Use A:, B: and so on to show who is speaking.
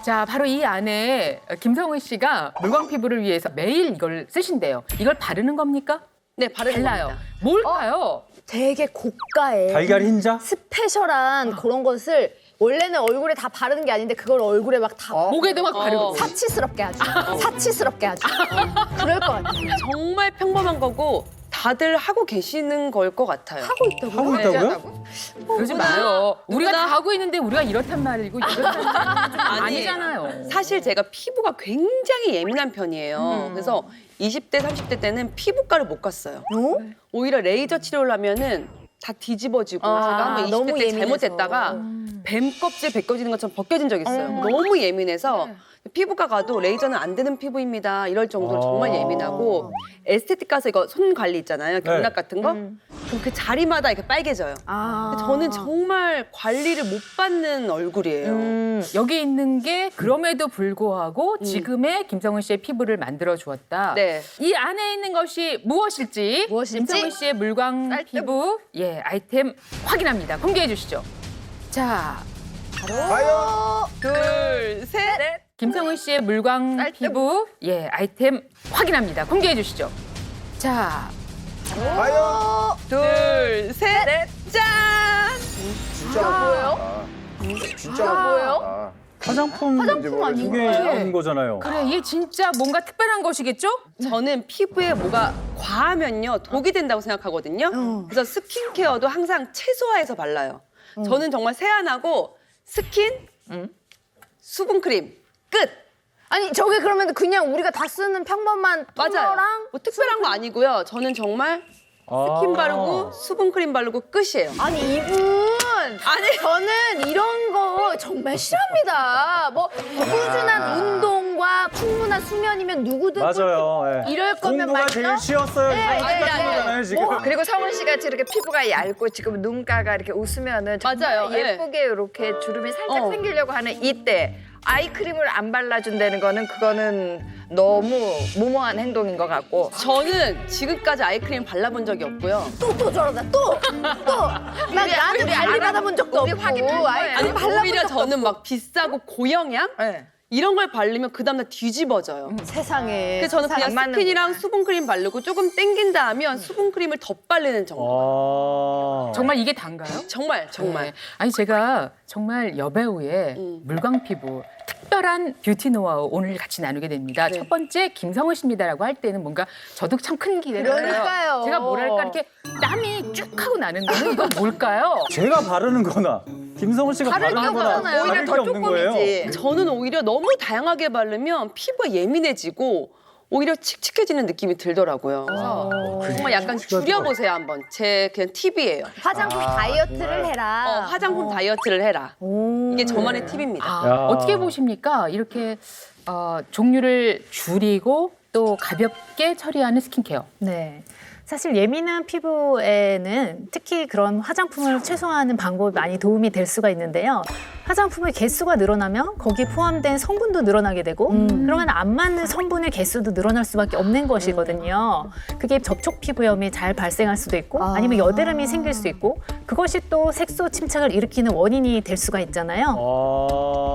A: 자, 바로 이 안에 김성은 씨가 물광 피부를 위해서 매일 이걸 쓰신대요. 이걸 바르는 겁니까?
B: 네, 바르는
A: 달라요.
B: 겁니다.
A: 뭘까요?
C: 되게 고가의
D: 달걀 흰자?
C: 스페셜한 그런 것을 원래는 얼굴에 다 바르는 게 아닌데 그걸 얼굴에 막 다
A: 목에도 막 바르고.
C: 사치스럽게 아주 사치스럽게 아주 그럴 것 같아요.
B: 정말 평범한 거고 다들 하고 계시는 걸 것 같아요.
C: 하고 있다고.
D: 하고 있다고요?
A: 그러지 마요. 우리가
B: 누구나-
A: 다 하고 있는데 우리가 이렇단 말이고 이렇단 말이고 좀 아니잖아요.
B: 사실 제가 피부가 굉장히 예민한 편이에요. 그래서 20대, 30대 때는 피부과를 못 갔어요. 오히려 레이저 치료를 하면은 다 뒤집어지고 제가 한번 20대
C: 너무
B: 때
C: 예민해서.
B: 잘못했다가 뱀 껍질 벗겨지는 것처럼 벗겨진 적이 있어요. 너무 예민해서 피부과 가도 레이저는 안 되는 피부입니다. 이럴 정도로 정말 예민하고 에스테틱 가서 이거 손 관리 있잖아요. 경락 같은 거. 그럼 그 자리마다 이렇게 빨개져요. 근데 저는 정말 관리를 못 받는 얼굴이에요.
A: 여기 있는 게 그럼에도 불구하고 지금의 김성은 씨의 피부를 만들어 주었다.
B: 네.
A: 이 안에 있는 것이 무엇일지, 김성은 씨의 물광 피부 아이템 확인합니다. 공개해 주시죠. 자,
E: 과연
B: 둘, 셋.
A: 김성은 씨의 물광 피부 아이템 확인합니다. 공개해 주시죠. 자,
E: 과연
B: 둘, 셋. 짠!
E: 진짜 뭐예요? 진짜 뭐예요?
D: 화장품 두 개인 거잖아요.
A: 그래 이게 진짜 뭔가 특별한 것이겠죠?
B: 저는 피부에 뭐가 과하면요 독이 된다고 생각하거든요. 그래서 스킨케어도 항상 최소화해서 발라요. 저는 정말 세안하고 스킨, 수분크림 끝.
C: 아니 저게 그러면 그냥 우리가 다 쓰는 평범한
B: 맞아요.
C: 토너랑
B: 뭐 특별한 거 아니고요. 저는 정말 스킨 바르고 수분크림 바르고 끝이에요.
C: 아니 이분 저는 이런 거 정말 싫어합니다. 뭐 꾸준한 운동과 충분한 수면이면 누구든
D: 맞아요. 예.
C: 이럴 거면
D: 공부가
C: 말이죠.
D: 제일 쉬웠어요.
C: 네,
D: 이거
C: 네,
D: 거잖아요, 지금.
F: 그리고 성은 씨가 저렇게 피부가 얇고 지금 눈가가 이렇게 웃으면은 정말
B: 맞아요.
F: 예쁘게 이렇게 주름이 살짝
B: 어.
F: 생기려고 하는 이때 아이크림을 안 발라준다는 거는 그거는 너무 무모한 행동인 것 같고
B: 저는 지금까지 아이크림 발라본 적이 없고요.
C: 또 저러다 또난 나한테 관리 받아본 적도
F: 우리
C: 없고
F: 확인할 거예요.
C: 아이크림
B: 아니
C: 발라본
B: 오히려
C: 적도
B: 저는 막 비싸고 고영양
F: 네.
B: 이런 걸 바르면 그 다음날 뒤집어져요.
C: 세상에.
B: 그래서 저는 그냥
F: 안 맞는구나.
B: 스킨이랑 수분크림 바르고 조금 땡긴다 하면 수분크림을 덧바르는 정도.
D: 정말
A: 정말 이게 단가요?
B: 정말 정말.
A: 네. 아니 제가 정말 여배우의 물광 피부 특별한 뷰티 노하우 오늘 같이 나누게 됩니다. 첫 번째 김성은 씨입니다라고 할 때는 뭔가 저도 참 큰 기대를 했어요.
C: 그러니까요.
A: 제가 뭐랄까 이렇게 땀이 쭉 하고 나는데 이건 뭘까요?
D: 제가 바르는 거나 김성은 씨가 바르는 거나
B: 오히려
D: 다를 게
B: 더
D: 없는 거예요.
B: 조금이지. 저는 오히려 너무 다양하게 바르면 피부가 예민해지고 오히려 칙칙해지는 느낌이 들더라고요. 그래서 정말 약간 줄여보세요 한번. 제 그냥 팁이에요.
C: 화장품 다이어트를 해라.
B: 화장품 다이어트를 해라. 이게 저만의 팁입니다.
A: 아,
D: 야.
A: 어떻게 보십니까? 이렇게 종류를 줄이고 또 가볍게 처리하는 스킨케어.
G: 네. 사실 예민한 피부에는 특히 그런 화장품을 최소화하는 방법이 많이 도움이 될 수가 있는데요. 화장품의 개수가 늘어나면 거기에 포함된 성분도 늘어나게 되고 그러면 안 맞는 성분의 개수도 늘어날 수밖에 없는 것이거든요. 그게 접촉 피부염이 잘 발생할 수도 있고 아니면 여드름이 생길 수 있고 그것이 또 색소 침착을 일으키는 원인이 될 수가 있잖아요.